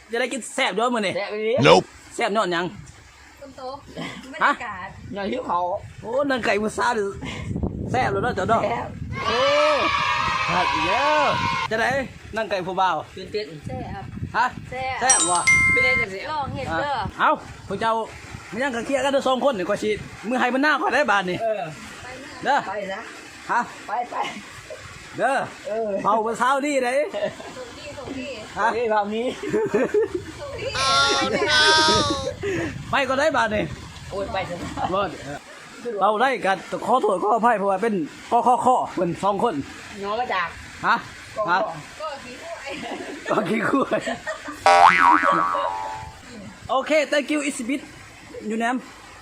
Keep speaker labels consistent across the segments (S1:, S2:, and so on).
S1: จะได้กินแซ่บด้วยมื้อนี่
S2: แซ่บไปดิ
S1: แซ่บยอดยัง
S3: คนโตบรรยากาศ
S2: อย่าหิวเขา
S1: โอ้นังไก่มื้อเช้าดิแซ่บแล้วเนาะเจ้าดอก
S2: แซ่บ
S1: โอ้หัดอีกแล้วจะได้นังไก่ผู้บ่าว
S2: ตื่นเต้น
S3: แซ่บ
S1: ฮะ
S3: แซ่บ
S1: แซ่บบ่
S2: ไม่ได้แต่เสีย
S3: ลองเห็ดเด้อ
S1: เอ้าพวกเจ้ามันยังกันเคลียร์กันเด้อ2คนนี่กว่าสิมื้อให้มันหน้าก่อนได้บาดนี่
S2: เออ
S1: เด้อ
S2: ไปนะ
S1: ฮะ
S2: ไป
S1: เด้อ
S2: เออ
S1: เผามื้อเช้านี่เด้
S3: ส่งที่
S1: ฮะ
S2: นี่แบบนี้
S1: ไปก็ได้บาดนี่
S2: โอ้ยไปเถอะ
S1: บ่เราได้กันขอโทษขออภัยเพราะว่าเป็นข้อเพิ่น2คน
S2: น้องก็จาก
S1: ฮะฮะ
S3: ก็ขี้ห้วย
S1: ก็ขี้คุยโอเค thank you it's bit อยู่แนม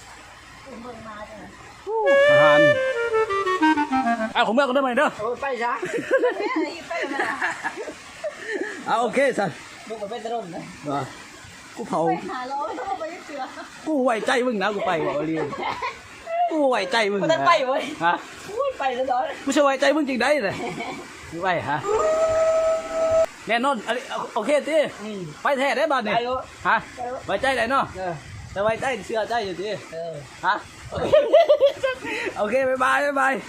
S1: อาหารเอาของเมื่อก็ได้ไหมเด้อ
S2: โอ้ยไปซะ
S3: แม่อะไรไปเลยมันอ่ะ
S1: เอาโอเคสัน
S2: ลูกกับเป็นตะรุ่นนะ
S1: ว่ากูเผา
S3: ไปหาล้อไม่ต้องไปยึดเสือ
S1: กูไว้ใจมึงนะกูไปบอกเรียนกูไว้ใจมึง
S2: มันจะไปเว้ย
S1: ฮะ
S2: อุ้ยไปซะตอน
S1: กูจะไว้ใจมึงจริงได้เลยไม่ไหวฮะแน่นอนอันนี้โอเคตีไปแท้ได้บ้านนี่
S2: ไปรู้
S1: ฮะไว้ใจได้เนาะ
S2: เออ
S1: แต่ไว้ใจเชื่อใจอยู่ตี
S2: เออ
S1: ฮะโอเคบ๊ายบายบ๊ายบาย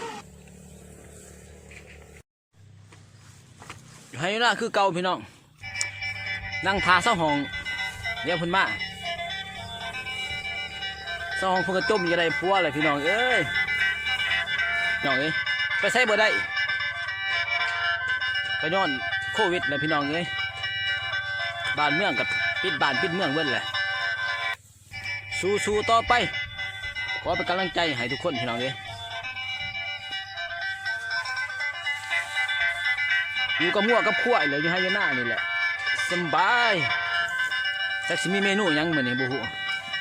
S1: ให้ละคือเก่าพี่น้องนั่งทาเสาห้องเดี๋ยวเพิ่นมาเสาห้องเพิ่นก็จมอยู่ในพัวเลยพี่น้องเอ้ยน้องเอ้ยไปใช้บ่ได้ก็ย้อนโควิดแหละพี่น้องเอ้ยบ้านเมืองกับปิดบ้านปิดเมืองเบิดแหละสู้ๆต่อไปขอเป็นกำลังใจให้ทุกคนพี่น้องเอ้ยอยู่กับมั่วกับขั้วเลยอยู่ให้ยาหน้านี่แหละสบายแต่สิมีเมนูหยังมื้อนี้บ่ฮู้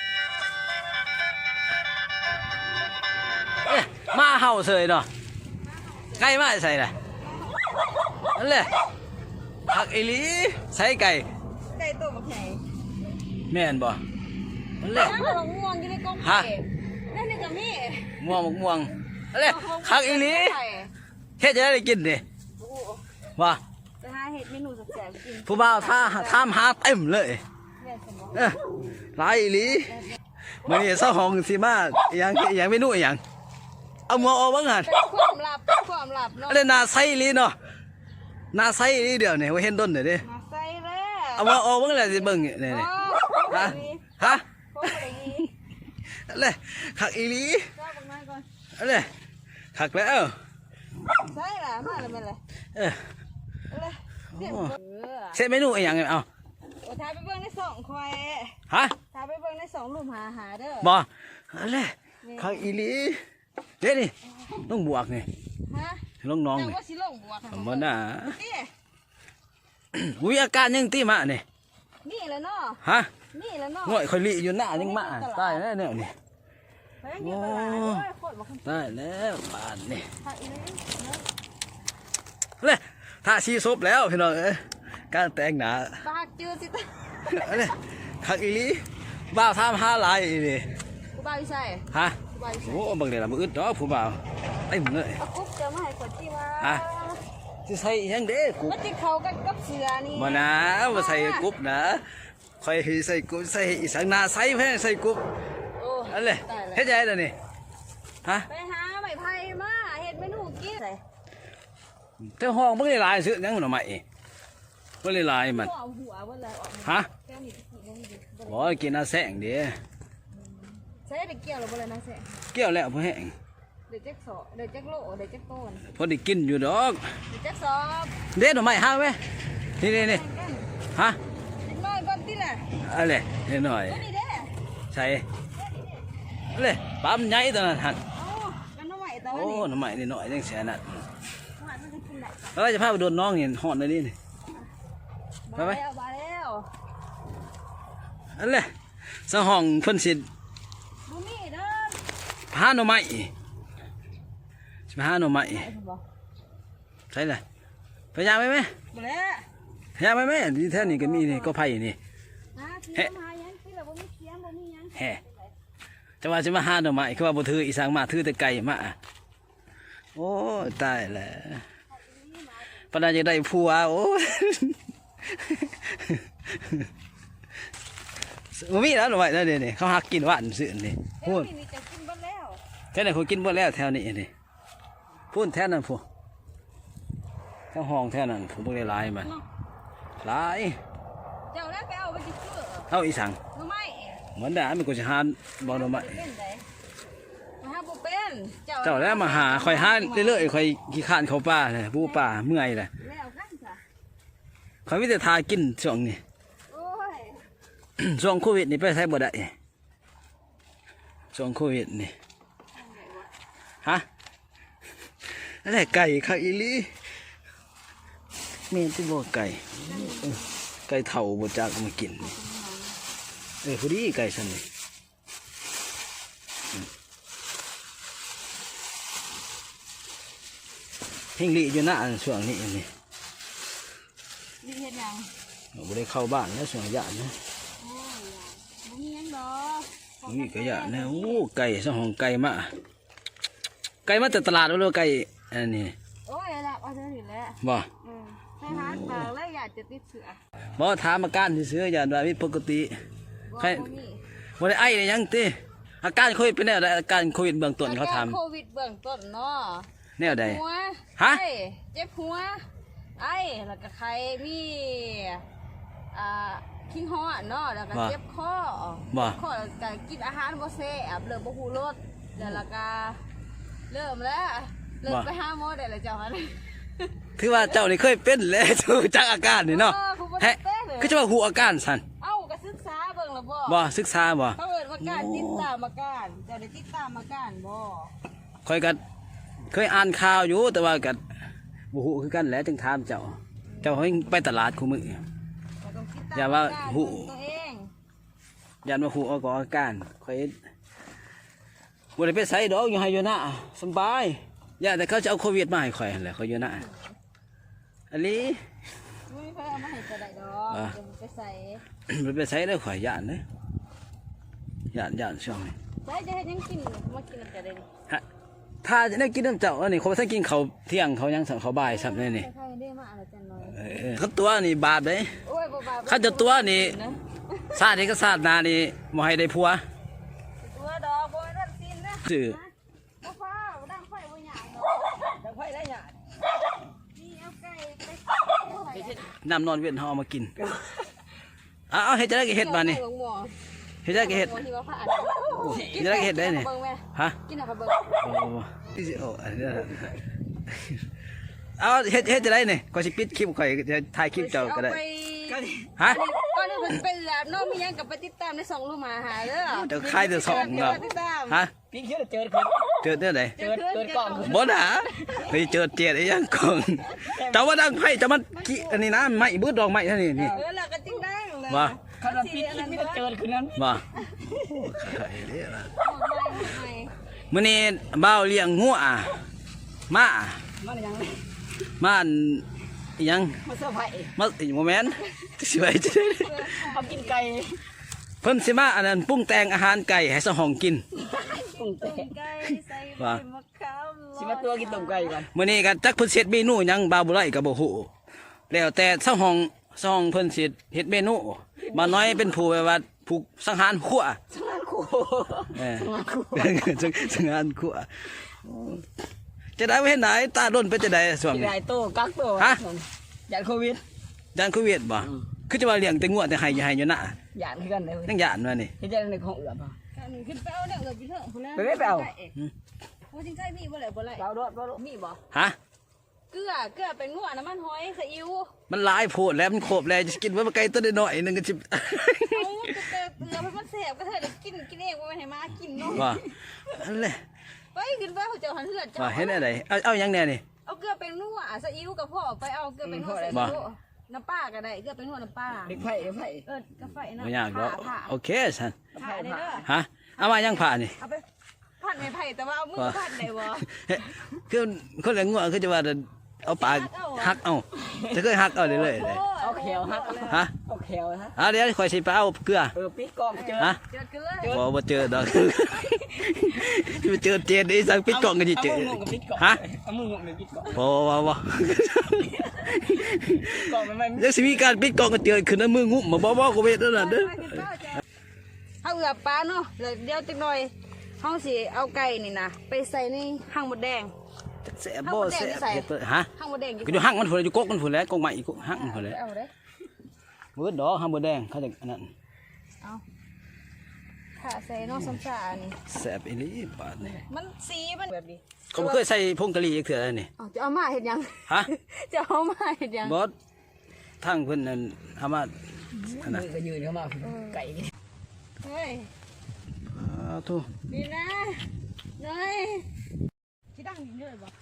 S1: เอ๊ะมาเห่าเสยเนาะไก่มาใส่ล่ะนั่นแหละผักอีหลีใส่ไก่
S3: ไก่ตัวบักใหญ่
S1: แม่นบ่นั่นแหละ
S3: น้ำมันม่วงอยู่ในกล่อง
S1: ฮะ
S3: เก็บนั่นนี่ก็มี
S1: ม่วงม่วงนั่นแหละผักอีหลีเฮ็ดจะได้กินดิว่า
S3: จะหาเห็ดเมนูแซ่บๆกิน
S1: ผู้บ่าวถามหาเต็มเลย
S3: แม่สมอง
S1: หลายอีหลีมื้อนี้เซาห้องสิมาอิหยังเมนูอิหยังเอาหม้อออกบ้างหั่น
S3: เป็นความลับเนาะ
S1: อันนี้นาไซอีหลีเนาะนาไซอีหลีเดี๋ยวนี่ว่าเห็นต้นเด้อเด้
S3: มาใส่แล้ว
S1: เอาหม้อออกบ้างแหละสิเบิ่งนี่นี่ฮะฮะ
S3: โคตรดี
S1: อันนี้คักอีหลี
S3: ชอบมากก่อน
S1: อันนี้คักแล้ว
S3: ใช่ล่ะมาแล้วแม่นเลย
S1: เออ
S3: เลยเดี๋ยว
S1: เสร็จเมนูอิหยังเอา
S3: โอ้ทาไปเบิ่งในสองควาย
S1: ฮะ
S3: ทาไปเบิ่งในสองหลุมหาเด้อ
S1: บ่อันนี้คักอีหลีเด้นี่ต้องบวกนี่
S3: ฮะ
S1: น้อง
S3: แต่
S1: ๆนี่
S3: ว่าสิลงบวก
S1: บ่น่า
S3: นี่
S1: อุ้ยอาการยังติมานี่
S3: นี่แหละเนาะ
S1: ฮะ
S3: นี่แหละเนาะ
S1: ง่อยค่อยลิอยู่หน้ายังมาตายแล้วเนี่ยนี่
S3: ไปอยู่ตลาดด้วยโคตรบ่คัน
S1: ตายแล้วบาดนี่
S3: ทาอีนี่เนาะ
S1: เลยถ้าชีซบแล้วพี่น้องเอ้ยการแต่งหน้า
S3: ปากจืดสิตา
S1: อันนี้คักอีหลีบ่าวทำ5ลายอีนี่
S3: กูบ้าอยู่ใส่
S1: ฮะ
S3: กูบ้าอยู่ใส่
S1: โอ้บางเดือนละมืออึดดอกผู้บ่าวเต็มเลย
S3: เอากุ๊บจะมาให้คนที่ว่า
S1: ฮะ สิใส่อิหยังเด้กุ๊บ
S3: มันจะเข้ากันกับเสือนี่
S1: บ่นะบ่ใส่กุ๊บนะค่อยให้ใส่กุ๊บใส่อีสังหน้าใส่เพิ่นใส่กุ๊บ
S3: โอ้
S1: อันเลย
S3: ตายแล้ว
S1: เฮ็ดจังได๋ล่ะนี่ฮะ
S3: ไปหาไม้ไผ่มาเฮ็ดเมนูกินใส่
S1: เจ้าห้องบ่ได้หลายซื้อหยังหน่อไม้บ่ได้หลายมัน
S3: เอาหัวเบิ่งแล้วออก
S1: ฮะ
S3: แก้วนี่กินยังดี
S1: บ่กินอาแสงเด้
S3: ใส่ได้เกี่ยวหรือบ่เลยนะแซ่
S1: เกี่ยวแล้วบ่แห้ง
S3: เดี๋ยวจักสอเดี๋ยวจักโลเดี๋ยวจักต้น
S1: พอได้กินอยู่ดอก
S3: เดี๋ยวจักสอบ
S1: เด็ดหน่อไม้ห้าไหมนี่นี่นี่ฮะ
S3: นิดหน่อยก่อนติล่ะ
S1: อะไรนิดหน่อย
S3: ตัวนี้เด้
S1: ใส่อะไรปั๊มใหญ่ตอนนั้นหัน
S3: อ๋อกันเอาไว้ตัว
S1: โอ้
S3: นี้
S1: หน่อไม้นิดหน่อยยังแสนนั่น
S3: หวานมันจะกินได้
S1: เราจะพาไปโดนน้องนี่หอนเลยนี่
S3: บาแล้วบาแล้ว
S1: อะไรสห้องเพิ่นสิ
S3: บ่มีเด้อ
S1: หาหน่อไม้สิมาหาหน่อไม้
S3: ไอ้ผมบอก
S1: ใช่เลยพยายามไหมไหม
S3: บ่แล้ว
S1: พยายามไหมที่แท้นี่ก็มีนี่ก็ไผ่นี่
S3: หาเทียมหายังที่เราบ่มีเทียมบ่มียัง
S1: แฮ่จะว่าจะมาหาหน่อไม้คือว่าบ่ถืออีสางมาถือแต่ไก่มาโอ้ตายแล้วปานนั้นจะได้ผัวโอ้บ่มีแล้วหน่อยนั่นนี่เขาหักกินหวานซื่อนี่
S3: เฮ้
S1: พู
S3: ย
S1: ด
S3: นี่จะกินเบ่แล้ว
S1: แถวนั้นเขากินบ่แล้วแถวนี้นี่พูดแถวนั้นพูแถวห้องแถวนั้นผมบ่ได้หลายมันหลาย
S3: เจ้าแล้วไปเอาไปสิซื้อ
S1: เอาอีสัง
S3: หนูไม่
S1: เหมือนได้มันก็สิหาบ่หน่อไม้
S3: เป็นไดมาหาบ่เป็น
S1: เจ้าแล้วมาหาข่อยหาเรื่อยๆข่อยขี้คร้านเข้าป่าเลยผู้ป่าเมื่อยแหละ
S3: แล้วกันจ้ะ
S1: ข่อยมีแต่ทากินช่วงนี้
S3: โอ้ย
S1: ช่วงโควิดนี่ไปใช้บ่ได้ช่วงโควิดนี่ฮะอะไรไก่ข้าวอีหลีเมียนที่บ่ไก่ไก่เถ่าบ่จักเอามากินนี่พอดีไก่ซั่นนี่เฮงลีอยู่หน้าช่วงนี้นี่
S3: นี่เฮ็ดหยัง
S1: บ่ได้เข้าบ้านแล้วช่วงยะนะ
S3: โอ้ยบ่มีหยังดอก
S1: นี่ก็ยะนะโอ้ไก่สองของไก่มาจากตลาดแล้วไก่อันนี้
S3: โอ้ยละเอาเท่านี้แหละ
S1: บ่
S3: ไปหาทางแล้วอยากจะติดเสือ
S1: บ่ถามอาการซื่อๆอย่างว่ามีปกติ
S3: บ่
S1: ใคร
S3: บ่มี
S1: บ่ได้ไอได้หยังติอาการโควิดเป็นแนวใดอาการโควิดเบื้องต้นเขาถาม
S3: อรโควิดเบื้องต้นเนาะ
S1: แนวใด
S3: หัว
S1: ฮะ
S3: ไอ้เจ็บหัวไอ้แล้วก็ไข้มีขี้ฮ้อนเนาะแล้วก็เจ็บคอ
S1: บ่
S3: คอแล้วก็กินอาหารบ่แซ่บเริ่มบ่ฮู้รสแล้วก็เริ่มไปหาหมอได้แล้วเจ้าหั่น
S1: ถือว่าเจ้านี่เคยเป็นแล้วรู้จักอาการนี่เนาะ
S3: กูบ่ได้
S1: แฮะ
S3: เป็นเลย
S1: คือจะว่าฮู้อาการซั่น
S3: เอ้าก็ศึกษาเบิ่งแล้วบ่
S1: บ่ศึกษาบ่
S3: เขาเอิ้นว่าการติดตามอาการเจ้าได้ติดตามอาการบ่
S1: ค่อยก็เคยอ่านข่าวอยู่แต่ว่าก็บ่ฮู้คือกันแหละจึงถามเจ้าเฮงไปตลาดคู่มื้อ
S3: ก็ต้องติดตาม
S1: อย่าว่า
S3: อาการ
S1: หู
S3: ตัวเอง
S1: ยันมาฮู้เอาก็อาการค่อยบ่ได้ไปไสดอกอยู่ให้อยู่นะสำบายอย่าแต่เขาจะเอาโควิดมาให้ข่อยหั่นแหละเขาอยู่นะอันนี้
S3: ไม่มีใครเอามาให้จะได้ดอก
S1: อ่ะ
S3: เดี๋ยวมันไปใส่
S1: มันไปใช้ได้ข่อยย่านเลยย่านช่วงนี้
S3: ใส่จะให้ยังกินมากินน้ำกันได้นี่
S1: ฮะถ้าจะได้กินน้ำเจ้าอันนี้เขาถ้ากินเขาวเที่ยงเขายังสั่งเขาวบ่ายสับนี่นี่
S3: ใครได้มาอะไรจันน้อย
S1: เขาตัวนี่บาปเลย
S3: โอ้ยบ่บาป
S1: เขาจะตัวนี่
S3: นะ
S1: ซาดนี่ก็ซาดนานี่บ่ให้ได้ผัว
S3: ตัวดอกบ่ได้กินนะ
S1: ซื่อ
S3: บ่ฟ้าบ่ดังไฟบ่หยังดอก
S2: จังไฟได้หยาด
S3: นี่เอาไก่ไป
S1: น้ำนอนเวียนเฮาเอามากินเอาเฮ็ดจะได้ก็เฮ็ดบาดนี่
S3: หลวงหมอ
S1: เฮ็ดจะได้ก็เฮ็ด
S3: หลวงที่ว่าพระอัน
S1: เฮ็ดจะได้ก็เฮ็ดได้นี่
S3: เบิ่งแม่
S1: ฮะ
S3: กินเอาไปเบิ่ง
S1: โอ้อันนี้เอาเฮ็ดจะได้นี่ก็สิปิดคลิปข่อยจะถ่ายคลิปเจ้าก็ได้
S3: อป
S1: ฮะ
S3: ก่อนนี้มันเป็นแล้วเนาะมีหยังก็ไปติดตามในสองลูกหมาหาเด้อ
S1: เดี๋ยวคายเดี๋ยวสอง
S3: เนาะ
S1: เนาะ
S3: ติดตาม
S1: ฮะ
S2: พี่เชื่อเจอคน
S1: เจอเด้อไหน
S2: เจอกล่อง
S1: บ่นะไปเจอเจียดไอ้ยังกองแต่ว่าดังไผ่จะมันกี้อันนี้นะไม้บืดดอกไม้เท่านี้นี่
S3: แล้วก็จริงได้เลย
S1: ว่า
S2: ขนาดพี่คิดไม่ได้เจอคืนนั้น
S1: ว่า
S3: หมดใหม่
S1: มื้อนี้บ่าวเลี้ยงงัวมา
S2: มันยัง
S1: มาอันอิหยัง
S2: มาเซอร์ไพรส์
S1: มาอีโมเมนต์สิไว้จะได้
S2: เอากินไก่
S1: เพิ่นสิมาอันนั้นปรุงแต่งอาหารไก่ให้สหองกิน
S2: ตุ่มเตะ
S3: ไก่ใส่
S1: ว่า
S3: มะขาม
S2: สิมาตัวกินตุ่มไก่ก่อน
S1: มื้อนี้ก็จักเพิ่นสิเฮ็ดเมนูหยังบ่าวบ่ไร่ก็บ่ฮู้แล้วแต่สหองเพิ่นสิเฮ็ดเมนูมาน้อยเป็นผู้แบบว่าผู้สังหารขั่ว
S2: ช่างคู่
S1: เออสังหารขั่วจะได้บ่เห็นไหนตาโดนเป็นจะได้ส่วง
S2: กิน
S1: นี้
S2: ไก่โตกักโตหยาดโควิด
S1: ย่านโควิดบ่คือจะว่าเลี้ยงแต่งัวแต่ให้อยู่นะ
S2: หยาดคือกันเลย
S1: ยังย่านว่านี่
S2: ที่จะในของเอือบ
S3: หนึ่งขึ้นไปเอาเนี่ยเอือบไปเถอะคนละ
S2: ไปไม่ไปเอา
S3: โอ้จริงใจมีบ่เลยบ่เลย
S2: เราโดดเราโดด
S3: มีบ่
S1: ฮะ
S3: เกลือเป็นงัวน้ำมันหอยซีอิ๊ว
S1: มันหลายโพดแล้วมันโคบแล้วจะกินว่าไก่ตัวน้อยๆนึงก็สิ
S3: เอาเกลือมันแสบก็เถอะกินเองว่าให้มากินเนาะ
S1: ว่าอันแหละ
S3: ไปขึ้นไปเขาเจ้าหันเหือด
S1: ว่าเห็นอะไรเอาหยังแน่นี่
S3: เอาเกลือเป็นนัวซีอิ๊วกับพ่อไปเอาเกลือเป็นนัวซีอิ๊วน้ำปลาก็ได้เกลือเป็นนัวน้ำปลา
S2: เด็กไผ่เด็กไผ่
S3: กาแฟนะ
S1: บ่ยากดอก
S3: ผ่า
S1: โอเคซั่น
S3: ผ่าได้เด้อ
S1: ฮะเอามายังผ่านี่
S3: เอาไปผัดไม่ไผ่แต่ว่าเอามือผัดได้บ่
S1: คือคนเลี้ยงงัวคือจะว่าเอาปากหักเอาจะเคยหักเอาเรื่อยๆเลย
S2: เอาแขวฮะ
S1: ฮะ
S2: เอาแขวฮะ
S1: เดี๋ยวข่อยสิไปเอาเกลือ
S2: ปิดกล่องเจอ
S1: ฮะ
S3: เจอเกลือ
S1: บ่เจอดอกไปเจอเจนอีสังปิดกล่องกันสิเจอ
S2: เอามือกับปิดกล่อง
S1: ฮะ
S2: เอามือกับปิดกล่อง
S1: บ่
S2: กล่องมันไม่
S1: ยังสิมีการปิดกล่องกันเจอขึ้นน้ำมืองุ้มมาบ่ก็เวทนั่นน่ะเด้อ
S3: เอือปลาเนาะแล้วเดี๋ยวจักหน่อยเฮาสิเอาไก่นี่นะไปใส่ในหั่งมดแดง
S1: แซ่บบ่แซ่บเฮ็ดเปิดฮะ
S3: หั่งมดแดง
S1: ก็อยู่หั่งมันพุ่นอยู่กกมันพุ่นแหล้วกกใหม่อีกกกหั่งมันพุ่นแหล้ว
S3: เอาเด้อ
S1: เบิดดอกหั่งบ่แดงเขาจะอันนั้น
S3: เอาถ้าใส่เนาะซ้ำซ่านี่
S1: แซ่บอีหลีบาดนี่
S3: มันสีมันแบบนี้
S1: เขาบ่เคยใส่ผงกะหรี่อีกเทื่อเลยนี่
S3: เอาจะเอามาเฮ็ดหยัง
S1: ฮะ
S3: จะเอามาเฮ็ดหยัง
S1: บ่ทางเพิ่นนั่นเอามาอันนั้น
S2: มือก็ยืนเข้ามาไก่นี่
S3: เฮ้ย
S1: ทุ
S3: นี่นะเนยที่ดังเยอะบ่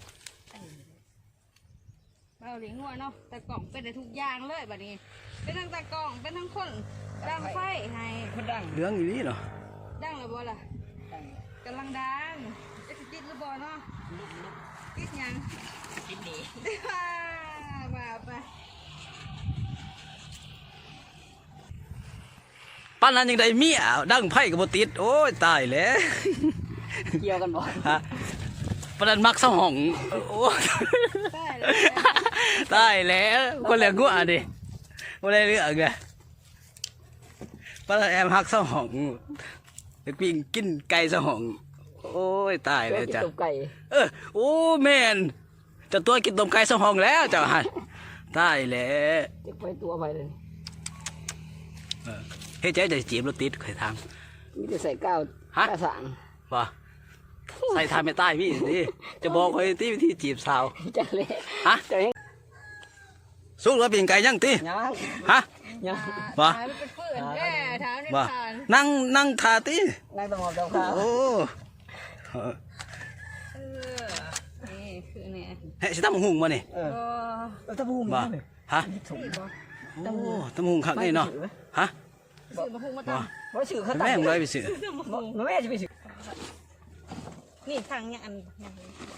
S3: เราเลี้ยงงัวเนาะแต่กล่องเป็นได้ทุกอย่างเลยบัดนี้เป็นทั้งตากล่องเป็นทั้งคนดังไฟให้
S2: คนดัง
S1: เหลืองอีหลีเนาะ
S3: ดังแล้วบ่ล่ะ
S2: ดัง
S3: กำลังดังจะติดหรือบ่เนาะติดหยัง
S2: กินดี
S3: มาไป
S1: ปานนั้นยังได้เมียดังไผก็บ่ติดโอ้ยตายแล้ว
S2: เกี่ยวกันบ่
S1: ฮะปานนั้นมักเซาห้องโอ้ย
S3: ได้เลย
S1: ตายแล้วคนเหลืองัวดิบ่ได้เรื่องไงปานนั้นแอมฮักเซาห้องไปปิ้งกินไก่เซาห้องโอ้ยตายแล้วจ้ะ
S2: ตบไก่
S1: โอ้แม่นเจะตัวกินต้มไก่เซาห้องแล้วเจ้าหั่นตายแล้ว
S2: จะไปตัวไปเลย
S1: เฮ็ดใจจะจีบรถติดเคยถาม
S2: มีแต่ใส่ก้าว
S1: ฮะ
S2: กระสัง
S1: ว่าใส่ทานไม่ใต้พี่ดิจะบอกคอยที่วิธีจีบสาว
S2: จังเลย
S1: ฮะ
S2: จะให้
S1: สุกแล้วปิ้งไก่ยังติ
S2: ยัง
S1: ฮะ
S2: ยัง
S1: ว่า
S3: ถามเป็นเพื่อนแม่ถามใน
S1: ว่า
S3: ผ่าน
S1: นั่งทาติ
S2: นั่งตะหมอบดอกข้าว
S1: โอ้
S3: นี่คือเนี่ย
S1: เฮ้ยสิตำหุ่งมานี่
S2: เออ
S3: ก็
S2: ตะบูม
S1: ว่าฮะ
S3: สี่บ่
S1: โอ้ตำหุ่งคักนี่เนาะฮะ
S3: สื่อมาพูดมาตั้
S1: ว่าง
S2: บ่สื่อเขา
S1: แม่งเลยไปซื้อ
S2: แม่จะไปสื่อ
S3: นี่ทางยังอันยังเอา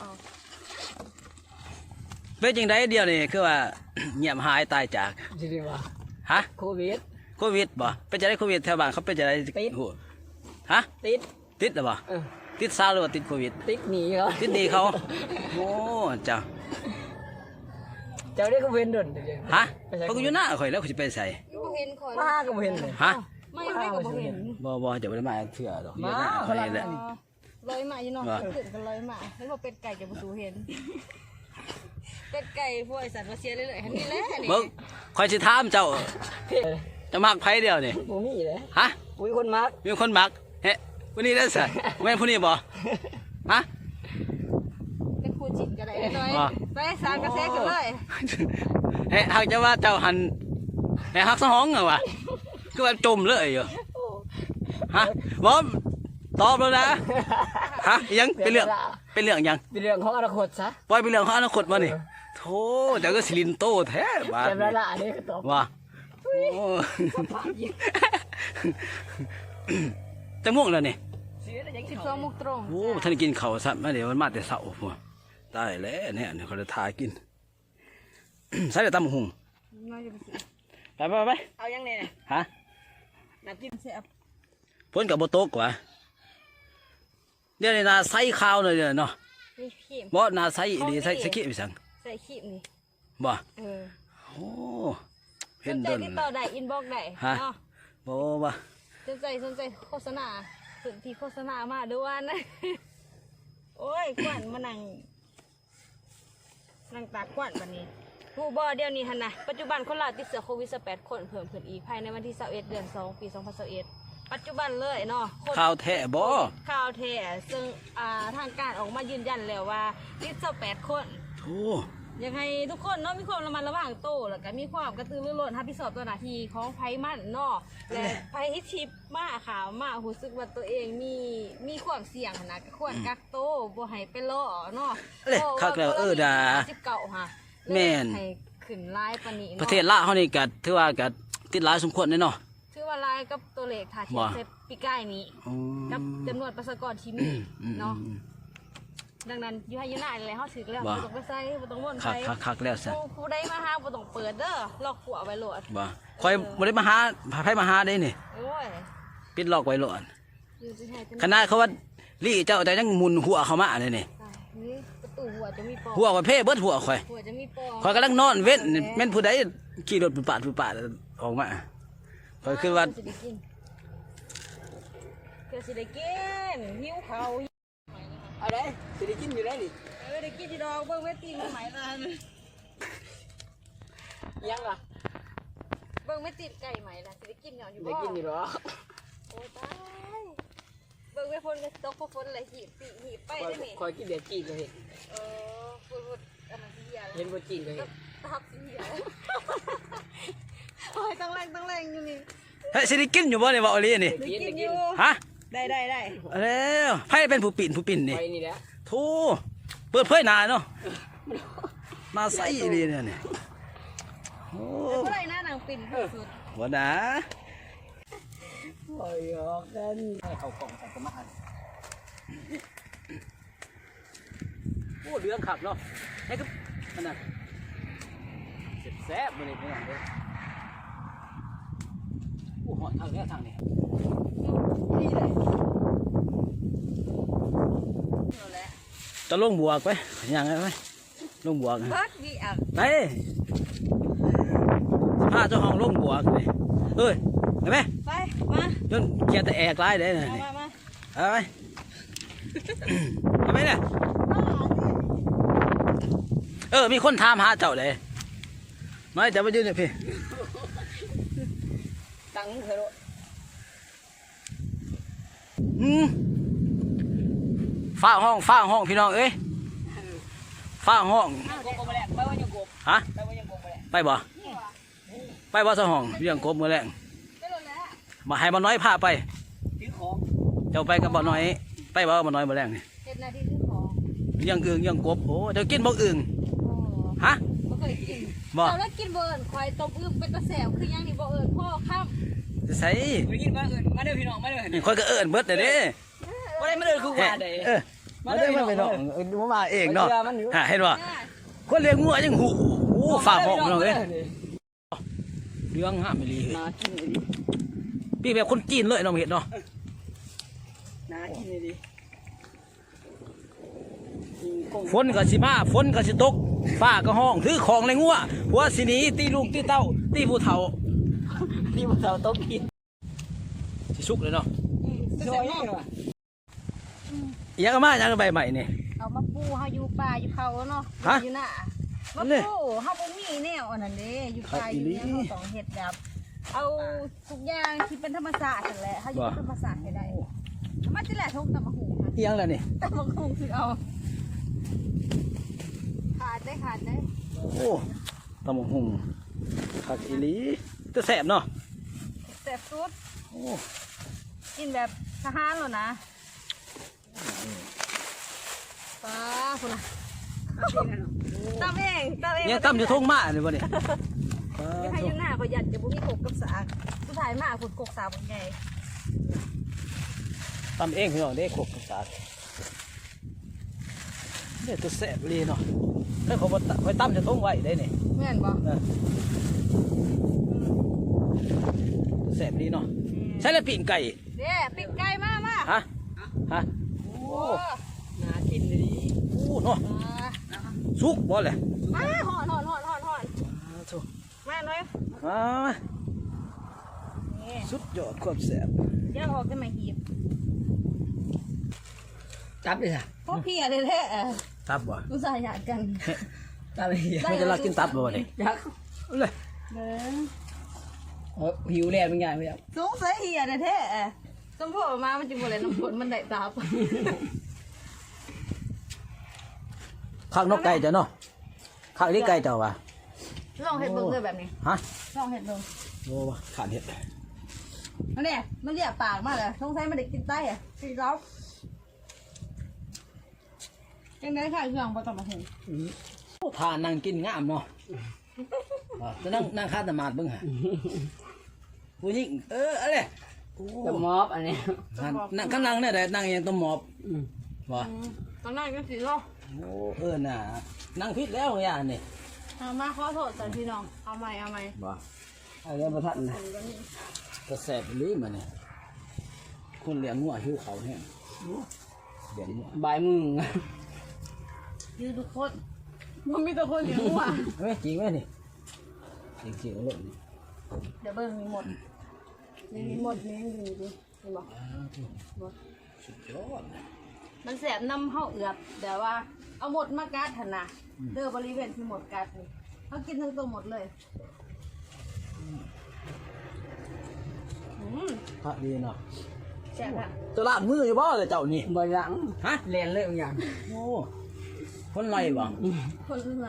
S1: เป็นจังไดเดียวนี่คือว่า เงียบหายตายจาก
S2: จริงว่า
S1: ฮะ
S2: โควิด
S1: โควิดบ่เป็นจังได๋โควิดแถวบ้านเขาเป็นจังได๋
S2: ติด
S1: โหฮะ
S2: ติด
S1: ติดหรือบ่
S2: เออ
S1: ติดซาหรือว่าติดโควิด
S2: ติดหนีเขา
S1: ติดดีเขาโอ้จ้า
S2: เจ้าได้ก็เว้นดน
S1: ฮะเขาก็อยู่หน้าข่อยแล้วเขาจะไปใส่
S3: บ่เห็นคอย
S2: มาก็เว้นเลย
S1: ฮะ
S3: ไม่ไม่ก็บ่เห็น
S1: บ่จะไม่ได้มาเถื่อดอกอยู่
S2: มา
S1: หน้า
S2: เขา
S1: ข่อย
S2: ลั
S1: นี่แหละ
S3: ลอยมาอยู่เนาะ
S1: ว่า
S3: ขึ้นกันลอยมาแล้วบ่เป็ดไก่จะบ่สูเห็นเป็ดไก่พวกไอ้สัตว์มาเสียเรื่อยๆนี่แหละนี่
S1: เบิ่งข่อยสิถามเจ้าจะมักไผเดียวนี่
S2: บ่มีเลย
S1: ฮะ
S2: อุ้ยคนมัก
S1: มีคนมักเฮ้ผู้นี้ได้ซะแม่นผู้นี้บ่ฮะ
S3: เป็นครูจิตก็ได้น้อย
S1: ว่า
S3: ไปสามกระแสกันเลย
S1: เฮ้หากจะว่าเจ้าหันเฮ้ฮักสะห้องเหรอวะคือว่าจมเลยอยู่ฮะบ่ตอบแล้วนะฮะยังเป็นเรื่องยัง
S2: เป็นเรื่องของอนาคตซะ
S1: ปล่อยเป็นเรื่องของอนาคตมานี่โธ่เจ้าก็สิลินโตแท้บาด
S2: แต่
S1: นี้
S2: ละอันนี้ก็ตอบ
S1: ว่าโอ้จะม่วงแล้วนี่
S2: เสียได้ยังสิ
S3: 12 โมงตรง
S1: โอ้ท่านกินข้าวซะมาเดี๋ยวมันมาแต่เช้าพุ่นตายแล้วเนี่ยเดี๋ยวเขาจะทากิน ใส่แต่ตำหุง
S3: น้อยจะไปสิ
S1: ไป
S2: เอายังเนี่ย
S1: ฮะ
S2: น้ำจิ้ม
S3: เสียบ
S1: พ้นกับโบโตกว่าเดี๋ยวนี้นาใส่ข้าวเลยเนาะ
S3: นี่ขีม
S1: บ่นาใส่ดีใส่สกิไปสั่ง
S3: ใส่ขีมนี่
S1: บ่
S3: เออ
S1: โอ้
S3: ส
S1: เห็น
S3: นใจ
S1: เดิน
S3: ติดต่อได้อินบ็อกได้
S1: ฮะ
S3: เนาะ
S1: บ่ว่า
S3: สนใจโฆษณาพื้นที่โฆษณามาด้วยนะ โอ้ยกวนมานั่งตากกวนบัดนี้ผู้บ่เดี๋ยวนี้หั่นน่ะปัจจุบันคนลาวติดเชื้อโควิด18คนเพิ่มขึ้นอีกภายในวันที่21เดือน2ปี2021ปัจจุบันเลยเนาะคน
S1: ข้าวแท้บ่
S3: ข่าวแท้ซึ่งทางการออกมายืนยันแล้วว่าติด28คน
S1: โอ้
S3: อยากให้ทุกคนเนาะมีความระมัดระวังตัวแล้วก็มีความกระตือรือร้นรับผิดชอบต่อหน้าที่ของไผมันเนาะและไผที่ทิพมาข่าวมารู้สึกว่าตัวเองมีความเสี่ยงหั่นนะก็ควรกักตัวบ่ให้ไปล่อเนาะ
S1: เอ้ยคักแล้วด่า
S3: 19ค่ะ
S1: แม่น
S3: ให้ขึ้นลายปานนี้
S1: ป
S3: เนาะ
S1: ระเทศลาวเฮานี่ก็ถือว่าก็ติดหลายสมควรเนาะ
S3: ถือว่าลายกับตัวเลขถ้าเทียบ
S1: ว่า
S3: เซปีใกล้นี้
S1: อืม
S3: กับจำนวนประชากรที่มี เนาะดังนั้นอยู่ให้อยู่หน้าเลยเขาถือแล้ว
S1: ว่า
S3: บ่ต้องไปใส่บ่ต้องวน
S1: คั
S3: ไป
S1: กแล้วซะ
S3: ผู้ใดมาหาบ่ต้องเปิดเด้อล็อกหัวไว้โหลด
S1: บ่ข่อยบ่ได้มาหาไผมาหาได้นี่
S3: โอ้ย
S1: ปิดล็อกไว้โลด
S3: อยู่ที่ให้
S1: ขนาดเขาว่าลี่เจ้าแต่ยังหมุนหัวเข้ามาเลยนี่
S3: นี่ประตูหัวจะมีปอ
S1: หัวข่อยเพ่เบิดหัวข่อย
S3: หัวจะมีปอ
S1: ข่อยกำลังนอนเว้นแม่นผู้ใดขี่รถปุดปาดออกมาข่อยคือว่า
S3: จะได้กินพื่อสิได้กินหิวเขาว
S2: เอาได้สิได้กินอยู่ได้ดิ
S3: ได้กินที่ดอกเบิ่งแม่ตีนไหมล่ะ
S2: ยังล่ะ
S3: เบิ่งแม่ตีนไก่ไหมล่ะสิได้กินหย่อนอยู่
S2: ได้
S3: บ่
S2: กินอยู่หรอ
S3: โอ้ตายเบิ่งแม่ฝนก็ตกฝนอะไรหีบปีหีบไปได้ไหม
S2: คอยกินเดี๋ยวจีนก็เห็น
S3: ฝนอันนั้นเสีย
S2: เห็นว่าจีนก็เห็น
S3: ตับเสียโอ้ยต้องแรงอยู่นี่
S1: เฮ้ยสิได้กินอยู่บ่เนี่ยบ่อลีนี่
S3: ได้กินอยู่
S1: ฮะ
S3: ได้
S1: เอาแล้วไผเป็นผู้ปิ่นนี่
S2: ไปนี่แหละ
S1: โธ่เปิดเผยหน้าเนาะหน้าใสอีหลีเนี่ยนี่โอ้
S3: เมื่อไรหน้านางปิ่นสุด
S1: บ่นะ
S2: คอยออกกันให้เขากล่องใส่กระมัง
S1: โอ้เรื่องขับเนาะไอ้ก็อันนั้นแซ่บๆมื้อนี้พี่น้องเด้อโอ้หอนทางนี้ทางนี้
S3: นี่เลยนั่นแหละ
S1: จะลงบวกไปยังไงไปลงบวก
S3: พักดีอ่ะ
S1: ไปพาเจ้าของลงบวกเลยเอ้ยไปไหม
S3: ไปมา
S1: จนเกียร์แต่แอกไล่ได้เลย
S3: มา
S1: เอาไปเอาไปเนี่ยมีคนถามหาเจ้าเลยไม่จะไปยืนเนี่ยพี่
S2: ตั้งเถอะ
S1: ฟ้าห้องพี่น้องเอ้ยฟ้าห้อง
S2: ยังกบมาแล้วไปว่ายังกบ
S1: ฮะ
S2: ไปว่ายังกบมาแล้ว
S1: ไปบ่สะห้องเรื่องกบมือแรง
S3: ไปเลยแล้ว
S1: มาให้บ่น้อยพาไป
S2: ถือของ
S1: เจ้าไปกับบ่น้อยไปบ่บ่น้อยบ่แรงนี่
S3: เจ็ดนาทีซื้อของ
S1: เรื่องอึ่งเรื่องกบโอ้เดี๋ยวกินบ่อึ่ง
S3: โอ้
S1: ฮะ
S3: ไม่เคยกิน
S1: บ่
S3: เราแล้วกินเบิร์นควายต้มอึ้งเป็นตะแสบคือยังนี่บ่เอิญพ่อข้าม
S1: ใส่
S2: ไปกินมาอื่นมาเด้อพี่น้องมาเด้อ
S1: ค่อยก็เอิ้นเบิดเด้อเด้
S2: มาได้มาเด้อคือว่าเด้
S1: มาเด้อมาไปน้องมาเองเนาะ
S2: มันอยู่
S1: เห็นบ่คนเลี้ยงงัวยังหูโอ้ฝากห้องพี่น้องเอ้ยเรื่องห้ามอีหลี
S2: นากินเลยดิ
S1: พี่แบบคนจีนเลยน้องเห็นเนาะ
S2: นากินเลยดิ
S1: ฝนก็สิมาฝนก็สิตกฟ้าก็ห้องถือของในงัวหัวสิหนีตีลูกตีเต้าตีผู้เฒ่า
S2: นี่มันเราต้องกิน
S1: สิสุกเลยเนาะ
S2: ช่วยยังวะ
S1: ยังก็มายังก็ใบใหม่นี่
S3: เอามาปูเฮาอยู่ป่าอยู่เขาเนาะ
S1: ฮะ
S3: อยู่หน้ามา
S1: นั่นเลย
S3: ปูเฮาบ่มีแนวอันนั้นเด้อยู่ป่าอยู่เนี่ยเฮาต้องเฮ็ดแบบเอาทุกอย่างที่เป็นธรรมชาตินั่นแหละเฮาอยู่กับธรรมชาติให้ได้มาจิแหละทุกตะมะหูค่ะ
S1: เอียงแล้วนี่
S3: ตะมะหูคือเอาขาดได้
S1: โอ้ตำบักหุ่งผักอีหลีจะแสบเนาะ
S3: แซ่บสุด
S1: โอ้
S3: กินแบบทหารแล้วนะป้าคุณน่ะตำเอง
S1: ยังตำอยู่ทุ่งมาเลยบ่เนี่ย
S3: ยังให้อยู่หน้าก็ยัดจะบ่มีกบกับสากสุดท้ายมาขุดกกสาวบ่ใหญ่
S1: ตำเองพี่น้องได้ขบสาดเนี่ยตัวแสบอีหลีเนาะถ้าเขาบ่ไปตำจะทุ่งไว้ได้เนี่ย
S3: แม่นบ่
S1: แสบดีเนาะใช่แล้วปีกไก่
S3: เด้ปิ้งไก่มา
S1: ฮะฮะ
S3: โอ้
S2: นากินเลยดิ
S1: โอ้เนาะสุกบ่เลย
S3: มาหอน
S1: ถูก
S3: มาหน่อย
S1: มา
S3: นี่
S1: สุดยอดความแสบ
S3: เดี๋ยวออกกันมาหีบ
S2: จับเลยจ้ะ
S3: พวกพี่อะไรแท้
S1: ตับบ่
S3: อุตส่าห์หยาดกัน
S2: จับเลย
S1: ไม่จะรักกินตับบ่เนี่ย
S2: ยัก
S1: เลย
S3: เด้อ
S2: หิวแล้วเป็นไงไม่ยัก
S3: สงสัยเหียอะไรแท้สมพอมามันจะบ่เลยน้ำฝนมันได้ตาบ
S1: ข้างนกไก่จ้ะเนาะข้างนี้ไก่เจ้าว่ะ
S3: ลองเห็ดเบิ่งเลยแบบนี้
S1: ฮะ
S3: ลองเห็ดเบิ่ง
S1: โอ้ว่ะขาดเห็ด
S3: อันเนี้ยมันแยกปากมากเลยสงสัยมันได้กินไต้อะกินร้องยังไงค่ะเครื่องบ่ต้องมาถึง
S1: ทานนั่งกินงามเนาะจะนั่งคาดมาดเบิ่งฮะผู้หญิงอะไรโอ้
S2: จะมอบอันนี้
S1: นั่งข้างนั่งเนี่ยได้นั่งยังต้องหมอบบ่
S3: ตอนนั้นก็สิเนาะ
S1: โอ้น่ะนั่งพิษแล้วอย่างนี่
S3: เอามาขอโทษสันพี่น้องเอาใหม่
S1: บ่อะไรมาทันนะก็แสบลิ้นมาเนี่ยคนเลี้ยงงัวหิวเขาแห้งเลี้ยงงัว
S2: บายมึง
S3: ยืนทุกคนมันมีแต่คนเลี้ยงวัว
S1: เฮ้ยจริงไหมนี่จริงๆเลยนี่
S3: เดี๋ยวเบิ่งมีหมดมีหมดนี่ดูดิห็นบ่บ่
S1: สุดยอด
S3: มันแสบน้ำเฮาเอือบแต่ว่าเอาหมดมากัดหั่นน่ะเด้อบริเวณที่หมดกัดนี่เฮากินทั้งตัวหมดเลย
S1: พระดีเนาะ
S3: แซ่บอ่ะ
S1: จะล้างมืออยู่บ่เลยเจ้านี่
S2: บ่หลัง
S1: ฮะ
S2: แลนเลยบางอย่าง
S1: โอ้คนไรบ่
S3: คนอะไร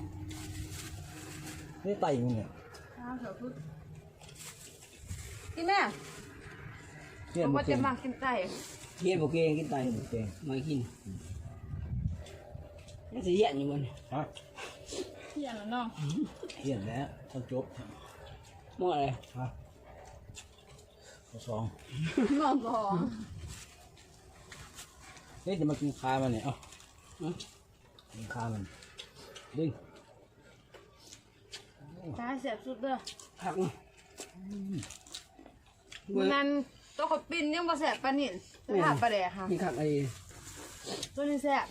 S1: นี่ไตมึงเนี่ย
S3: ข้าวเถอะพึ่งกินแม่
S1: เฮียน
S3: บอก
S1: บ่
S3: ว่า
S1: เก่
S3: จะ
S1: ง
S3: มากินไก่
S2: เฮียนบ่เก่งกินไต
S1: บ่เก่ง
S2: มากินมันสิเหี้ยนอยู่บ่เนี่ย
S1: ฮะ
S3: เที่ยงแล้วเนาะ
S1: เฮียนแล้วต้องจบ
S2: หม้ออะไร
S1: ฮะข้อสอง
S3: นอนรอ
S1: นี่จะมากินคามันเนี่ยเอ้ากินคามันดึง
S3: ตายแสบสุดเด้อ
S2: ผัก
S3: นั้นตัวขดปิ้นยังบ่แสบปานนี่สภาพปลาแดกค่ะ
S2: นี่ผักไอ้
S3: ตัวนี้แสบ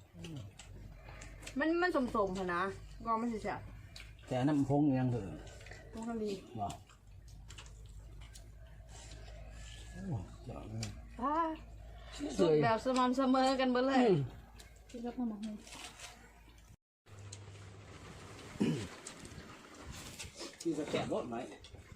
S3: มันสมๆค่ะนะกองมันสิแสบ
S1: แต่น้ำพงยังเถอะ
S3: ตรงกะลี
S1: บ่โอ้ยอดเลย
S3: ตาย
S2: ส
S3: สุ
S2: ว
S3: ด
S2: ย
S3: แบบสม่ำเสมอกันเบิดเลยกินกับพ่อหมอให้
S1: ที่จะแกะรถไหม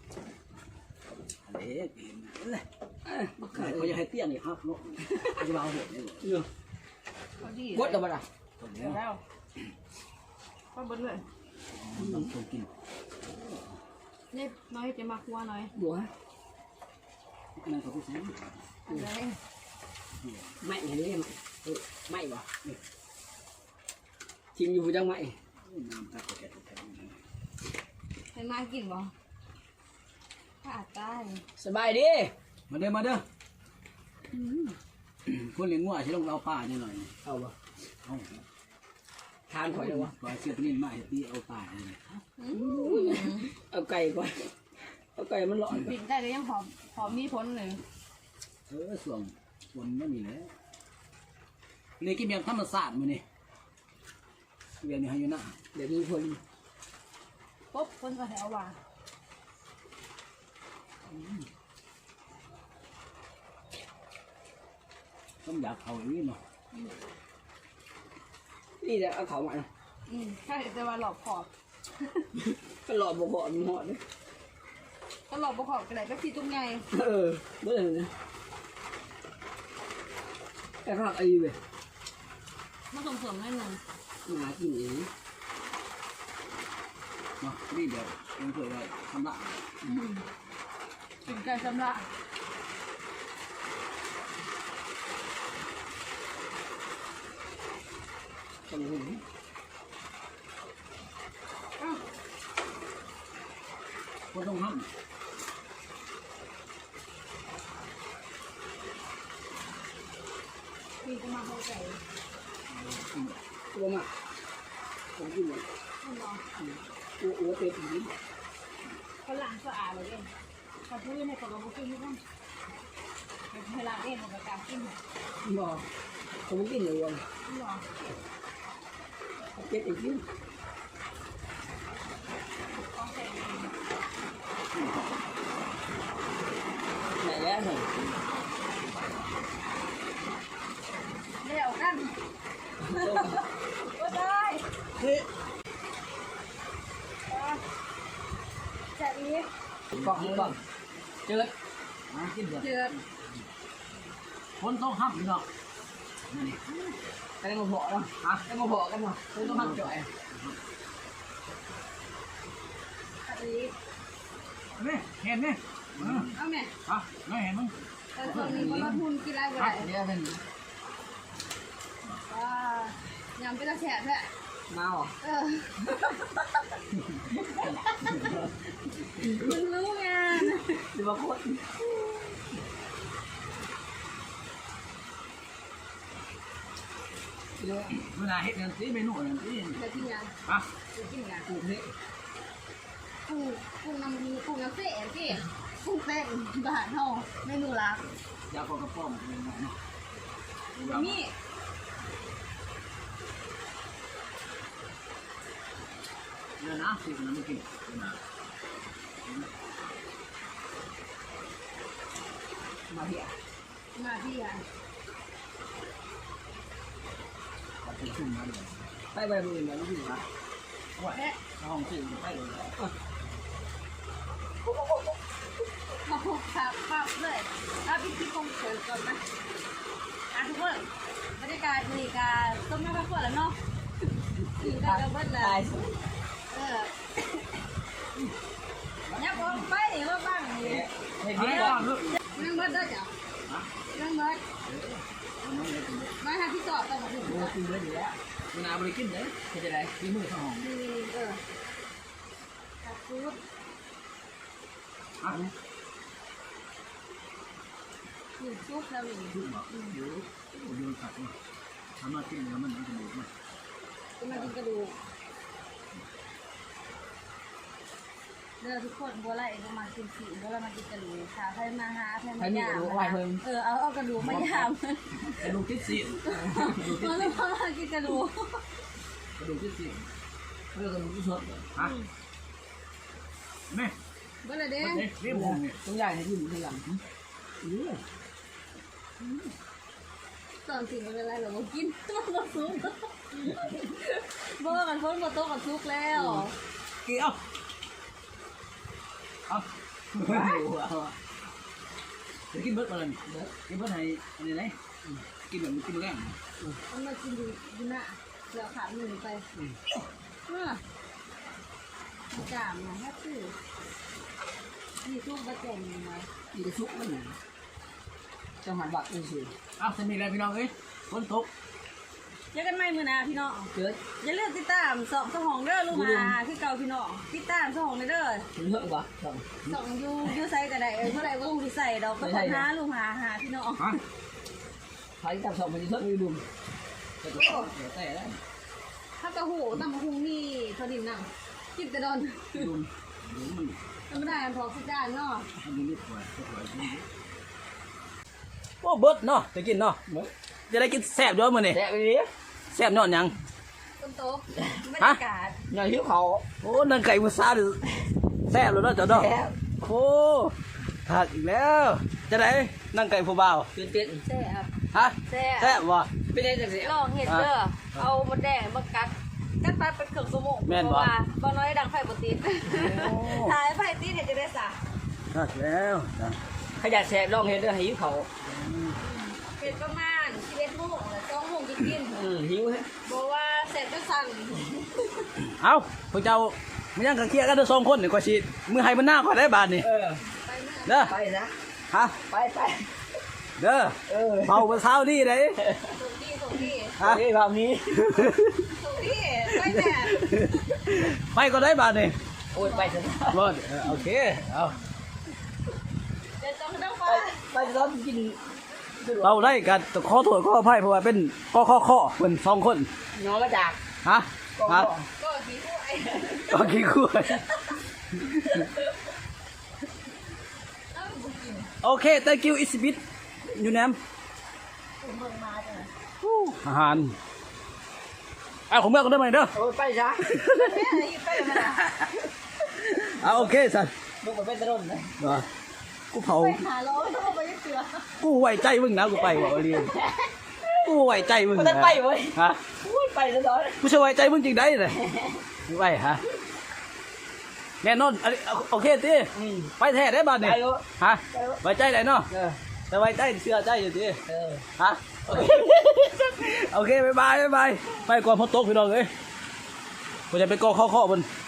S1: อันนี้กินเลยเขาจะให้เตี้ยนี่ครับเนาะเขาจะเอาเห็ดนี่
S2: เนาะ
S3: พอดี
S2: กดเอาบ่ล่ะ
S1: ตรง
S3: เดี๋
S1: นี้
S3: ยวแล้วก็เบิดเลย
S1: ต้องชมกิน
S3: นี่น้อยจะมาครัวหน่อย
S2: บัว
S1: นั่นเขาพูดแซ่บ
S3: อะไร
S2: ไม่เห็นเลยไม่บ่ชิมอยู่บ่จังไม่
S1: น้ำตาแกะ
S3: ให้มากินบ่ขาดตาย
S2: สบายดี
S1: มาเด้อมาเด้อคนเลี้ยงงัวใช่ต้องเอาป่าเนี่ยหน่อย
S2: เอาบ่
S1: เอา
S2: ทานข่อยแล้ววะ
S1: ปล่อยเสียบนิ่มมาให้ตีเอาป่าเลย
S2: เอาไก่ก่อนเอาไก่มันร้อน
S3: ปิดได้ก็ยังหอมมีพ้นเลย
S1: ส่วนไม่มีแล้วเลยกินแบบธรรมศาสตร์มาเนี่ยเรียนอยู่ให้อยู่นะ
S2: เดี๋ยวมีคน
S3: ปุ๊บพ้นก็แถวว่า
S1: ต้องอยากเขาอีกเนาะ
S2: นี่แหละเอาเขามานะ
S3: ใช่แต่ว่าหลอกขอบ
S2: ก็หลอดบ่พอมันหอดเลย
S3: ก็หลอกบ่ขอบกันไหนก็สีตุ้งไง
S2: เบื่อเลยนะไอ้ผักไอ้เว้ย
S3: มาส่งเสริมให้หนึ่ง
S2: หมากินเอง
S1: เนาะนี่เดี๋ยวเองเคยได้ทำละ
S3: กินไก่สำละ
S2: ตรงนี้
S1: คนต้องห้
S3: มีจะมาเข้าใจ
S2: ตัวมาผมกินเลย
S3: ไม่รอ
S2: อ้วเป็ดอย่างนี้
S3: เขาล้างสะอาดเลยเองเขาพื้นในกระบอกกินที่นั่นเวลาเองมันก็การกินหรอ
S2: บ่ผมกินเลยวัน
S3: ไม่รอ
S2: เป็ดอีกที
S3: ต้องใส่
S2: ไหนแล้วเหรอ
S3: เดี๋ยวกันก็ได้
S2: เฮ้ย
S3: จะอีก
S2: กล่องเจอ
S1: ำมากินเดี๋ยว
S3: เจือ
S1: คนต้องห้ามเนาะ
S2: กันมาพอแล้วอ่ะกันมาพอกันมาต้องทำจ่อย
S3: จะอีก
S1: นี่เห็นนี่
S3: เอาแม่
S1: อ่ะไม่เห็นมึง
S3: แต่ตอนนี้มันมาทุนกินอะไรก็
S1: อ่ะ
S3: ได้
S1: เดี๋ยวเป็น
S3: ยำเป็นตะแฉะแหละ
S2: มาหรอ
S3: มึงรู้ไง
S2: หรือว่าโคตร
S1: เวลาเห็ดกันสิเมนูกันสิ
S3: เดี๋ยวกินยัง
S1: อ่ะ
S3: เดี๋ยวกินยัง
S2: กูนี่
S3: กุ้งน้ำมีกุ้งน้ำเสียสิกุ้งเป็นบาทเท่าเมนูรัก
S1: ยาปอกกระป๋องเป็นไงเนาะ
S3: มี
S1: เดี๋ยวนะสิมันไม่กินนะ
S2: มาเหี้ย
S3: มาที่อ่ะ
S2: ไปไปมือเนี่ยลูกพี่นะว่าห้องสื่อไปเลย
S3: มาพบครับปั๊บเลยถ้าพี่ที่คงเกิดก่อนนะทุกคนบรรยากาศดีกาต้มน้ำข้าวคั่วแล้วเนาะกินกันกับเบิ้ลเลยยับออกไปว่าบ้างนี่
S2: เห็นไหมล่ะลูก
S3: นั่งเบิ้ลได้จ้ะนั่งเบิ้ลมาหาพี่สอบกันมาถึง
S2: โอ้กินเลยอยู่แล้วมันอาบริกินเลยจะได้ที่มือข้างห้อง
S3: ตัดซุป
S2: อ่ะ
S3: อยู่ซุปแล้วนี่
S2: ชื่อบอกเดี๋ยวโยนสัตว์มาทำมากินแล้วมันจะดูดไหม
S3: จะมากินกระดูกเด้อทุกคนบัวไล่เองก็มากินสีบัวไล่มากินกระดูกค่ะใครมาหาใครมายามเอากระดูกมายาม
S2: กระดูกที่สี่
S3: มาแล้วมากินกระดูก
S2: กระดูกที่สี่เรื่องกระดูกที่สดฮะแม่
S3: เบิ้ลเลยเด้
S2: นี่ผมเนี่ยต้องใหญ่ในที่หมูที่หลัง
S3: ตอนสิ่งอะไรเราก็กินตัวเราซุปบัวกันพ้นบัวโตกับซุปแล้ว
S2: กี่เอาจะกินเบิร์ดมาเลยกินเบิร์ดให้อะไรไหนกินแบบกินแรง
S3: มันมากินดูหน้าแล้วขาหนึ่งไปจามนะแค่ตื้อมีซุปบะแจ่งยังไง
S2: กินซุปมันจังหวัดบักนี่สิอ้าวจะมีอะไรพี่น้องเอ้ยฝนตก
S3: เจอกันใหม่มื้อหน้าพี่น้อง
S2: เกิด
S3: อย่าลืมติดตามสองเด้อลูกหาคือเก่าพี่น้องติดตามสองเด้อ
S2: ถึงเหอะวะ
S3: สองยูไซก็ได้เท่าไหร่ว่ายูไซดอกก็คนหาลูกหาพี่น้อง
S2: ฮะใครจับสองมันจะเท่าไหร่ดุมแต่ตัวเดี๋ยวแต่แล้ว
S3: ถ้ากระหูตำหูนี่พอดินน่ะกินแต่ดอน
S2: ดุมดุมมัน
S3: ธรรมดาพอสิจ้าเนาะ
S2: มันนิดกว่า
S1: โอ้เบิดเนาะจะกินเนาะจะได้กินแซ่บด้วยมื้อนี่
S2: แดกไปดิ
S1: แซ่บยอดหยัง
S3: ต้นโต๊ะบรรยากาศ
S2: อย่าหิวเขา
S1: โอ้นังไก่มุสาดิแซ่บเลยเนาะเจ้าเนาะโอ้ถักอีกแล้วจะได้นังไก่ผู้บ่าว
S2: ตื่นเต้น
S3: แซ่บ
S1: ฮะ
S3: แซ่บ
S1: แซ่บบ่
S2: เป็นไงจังสิ
S3: ลองเห็ดเด้อเอามดแดงมากัดไปเป็นเครื่องสมองบ่น้อยดังไฟบ่ติดถ่ายไฟติดเนี่ยจะได้สะ
S1: ถักแล้วนะ
S2: ขยันแสบลองเห็นด้วยหิวเขา
S3: เป็นประมาณ11 โมงแล้ว2 โมงจะกิน
S2: หิวฮะ
S3: บอกว่าเสร็จก็สั่น
S1: เอาพวกเจ้ามันยังกันเคลียร์กันเด้อ2คนนี่กว่าสิมือให้มันหน้าก่อนได้บาดนี่
S2: เออ
S3: ไปเมื่อ
S1: เด้อ
S2: ไปนะ
S1: ฮะ
S2: ไป
S1: เด้อ
S2: เออ
S1: เมาเมื่อเช้านี่เด้
S3: ส่งที่
S1: ฮะ
S2: นี่แบบนี้
S3: ส่งที่ไปแม่
S1: ไปก็ได้บาดนี่
S2: โอ้ยไปซะ
S1: รอดโอเคเอา
S3: เดี๋ยวต้องไป
S2: ไปร้อนกิน
S1: เราได้กันขอโทษขออภัยเพราะว่าเป็นข้อเพิ่น2คน
S2: น้องมาจาก
S1: ฮะฮะ
S3: ก็ขี้คู่ไอ้
S1: ก็ขี้คุยโอเค thank you it's a bit อยู่แนมอาหารเอาของเมื่อก็ได้ไหมเด้อ
S2: โอ้ยไปซะ
S3: แม่อยู่ไปมา
S1: เอาโอเคสัน
S2: มึงไปเป็นตะรุ่นเลย
S1: กูเผา
S3: ไปหาล้อต้องไปเสือ
S1: กูไว้ใจมึงนะกูไปบอกเรียนกูไว้ใจมึง
S2: มันจะไปเว้ย
S1: ฮะ
S2: โอ้ยไปซะร้อน
S1: กูจะไว้ใจมึงจริงได้เลยไว้ฮะแน่นอนอันนี้โอเคตีไปแท้ได้บ้านนี่ฮะไว้ใจได้เนาะ
S2: เออ
S1: แต่ไว้ใจเชื่อใจอยู่ตี
S2: เออ
S1: ฮะโอเคบ๊ายบายไปก่อนพอตกพี่น้องเอ้ยกูจะไปกอข้อบน